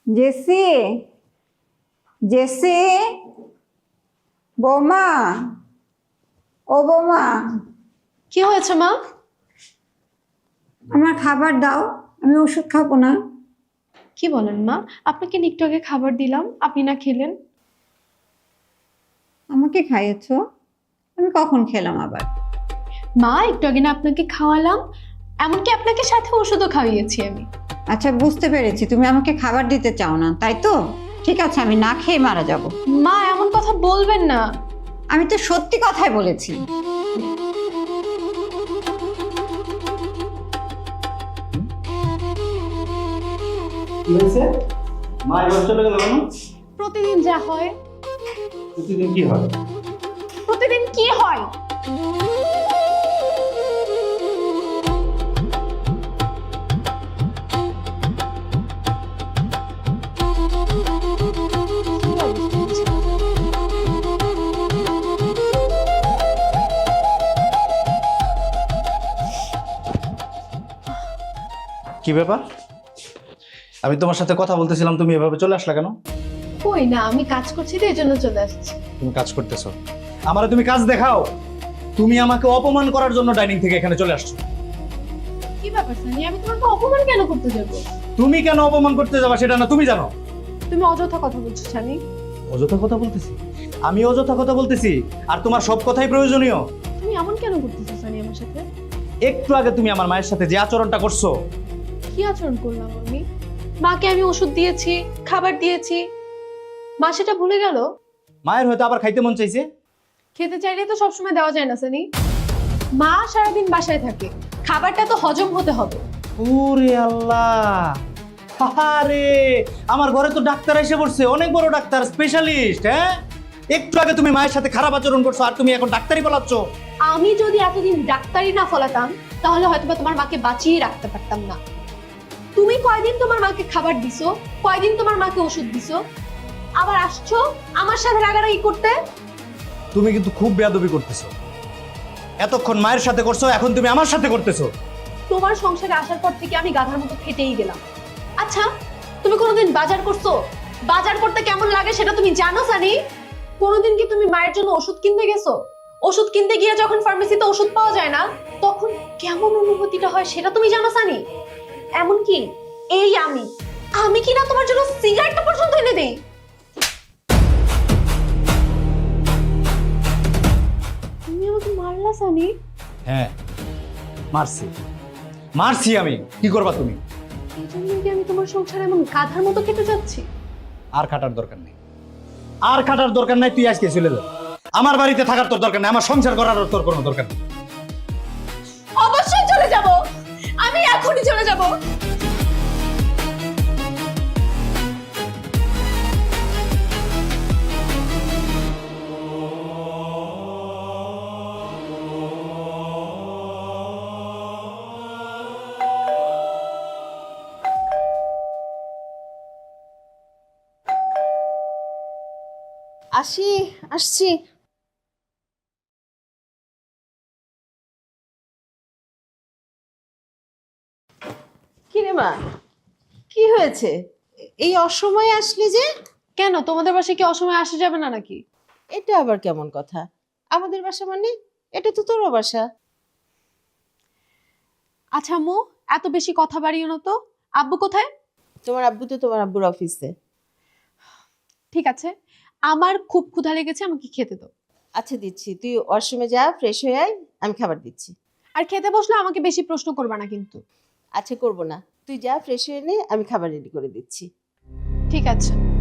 JC, JC, বৌমা, ও বৌমা, কি হয়েছে মা? আমার খাবার দাও, আমি ওষুধ খাবো না। কি বলেন মা? আপনাকে একটু আগে খাবার দিলাম, আপনি না খেলেন। আমাকে খাইয়েছো? আমি কখন খেলাম আবার? মা একটু আগে না আপনাকে খাওয়ালাম, এমনকি আপনাকে সাথে ওষুধও খাইয়েছি আমি। আচ্ছা, বুঝতে পেরেছি তুমি আমাকে খাবার দিতে চাও না, তাই তো? ঠিক আছে, আমি না খেয়ে মারা যাব। মা এমন কথা বলবেন না। আমি তো সত্যি কথাই বলেছি। কি হয়েছে? মা এবার চলে গেল কেন? প্রতিদিন যা হয়। প্রতিদিন কি হয়? প্রতিদিন কি হয়? কি ব্যাপার? আমি তোমার সাথে কথা বলতেছিলাম, তুমি এভাবে চলে আসলা কেন? কই না, আমি কাজ করছি তো এই জন্য চলে আসছি। তুমি কাজ করতেছো, আমারে তুমি কাজ দেখাও। তুমি আমাকে অপমান করার জন্য ডাইনিং থেকে এখানে চলে আসছো। কি ব্যাপার সানি, আমি তোমাকে অপমান কেন করতে যাবো? তুমি কেন অপমান করতে যাবা সেটা না তুমি জানো। তুমি অযথা কথা বলছো সানি। অযথা কথা বলতেছি? আমি অযথা কথা বলতেছি? আর তোমার সব কথাই প্রয়োজনীয়? তুমি এমন কেন করতেছো সানি আমার সাথে? একটু আগে তুমি আমার মায়ের সাথে যে আচরণটা করছো। কি আচরণ করলাম আমি? মাকে আমি ওষুধ দিয়েছি, খাবার দিয়েছি, মা সেটা ভুলে গেল? মায়ের হয়তো আবার খাইতে মন চাইছে। খেতে চাইলে তো সবসময় দেওয়া যায় না সানি। মা সারাদিন বাসায় থাকে, খাবারটা তো হজম হতে হবে। ওরে আল্লাহ, আরে আমার ঘরে তো ডাক্তার এসে পড়ছে, অনেক বড় ডাক্তার, স্পেশালিস্ট। হ্যাঁ, একটু আগে তুমি মায়ের সাথে খারাপ আচরণ করছো আর তুমি এখন ডাক্তারি বলাচ্ছ। আমি যদি এতদিন ডাক্তারি না ফলাতাম তাহলে হয়তোবা তোমার মাকে বাঁচিয়ে রাখতে পারতাম না। তুমি কয়দিন তোমার মাকে খাবার দিছো, কয়দিন তোমার মাকে ওষুধ দিছো, আবার আসছো আমার সাথে রাগারাগি করতে। তুমি কিন্তু খুব বেয়াদবি করতেছো। এতক্ষণ মায়ের সাথে করছো, এখন তুমি আমার সাথে করতেছো। তোমার সংসারে আসার পর থেকে আমি গাধার মতো খেটেই গেলাম। আচ্ছা, তুমি কোনোদিন বাজার করছো? বাজার করতে কেমন লাগে সেটা তুমি জানো সানি? কোনোদিন কি তুমি মায়ের জন্য ওষুধ কিনতে গেছো? ওষুধ কিনতে গিয়ে যখন ফার্মেসিতে ওষুধ পাওয়া যায় না তখন কেমন অনুভূতিটা হয় সেটা তুমি জানো সানি? এমনকি এই আমি কি না তোমার জন্য সিগারেটটা পর্যন্ত এনে দেই? তুমি আমাকে মারলা সানি। হ্যাঁ, মারছি মারছি আমি। কি করবা তুমি? এই জন্য কি আমি তোমার সংসারে এমন গাধার মতো কেটে যাচ্ছি? আর খাটার দরকার নেই, আর খাটার দরকার নাই। তুই আজকে চলে যা। আমার বাড়িতে থাকার তোর দরকার নেই, আমার সংসার করার তোর কোনো দরকার নেই। অবশ্যই চলে যাব, আমি এখনই চলে যাব। আসছি। কি রে মা, কি হয়েছে? এই অসময়ে আসলি যে? কেন, তোমাদের বাসায় কি অসময়ে আসা যাবে না নাকি? এটা আবার কেমন কথা? আমাদের বাসা মানে এটা তো তোর বাসা। আচ্ছা আম্মু, এত বেশি কথা বাড়িও না তো। আব্বু কোথায়? তোমার আব্বু তো তোমার আব্বুর অফিসে। ঠিক আছে, আমার খুব ক্ষুধা লেগেছে, আমাকে খেতে দাও। আচ্ছা দিচ্ছি, তুই ওয়াশরুমে যা, ফ্রেশ হয়ে আয়, আমি খাবার দিচ্ছি। আর খেতে বসলে আমাকে বেশি প্রশ্ন করবা না কিন্তু। আচ্ছা করবো না, তুই যা ফ্রেশ হয়ে নে, আমি খাবার রেডি করে দিচ্ছি। ঠিক আছে।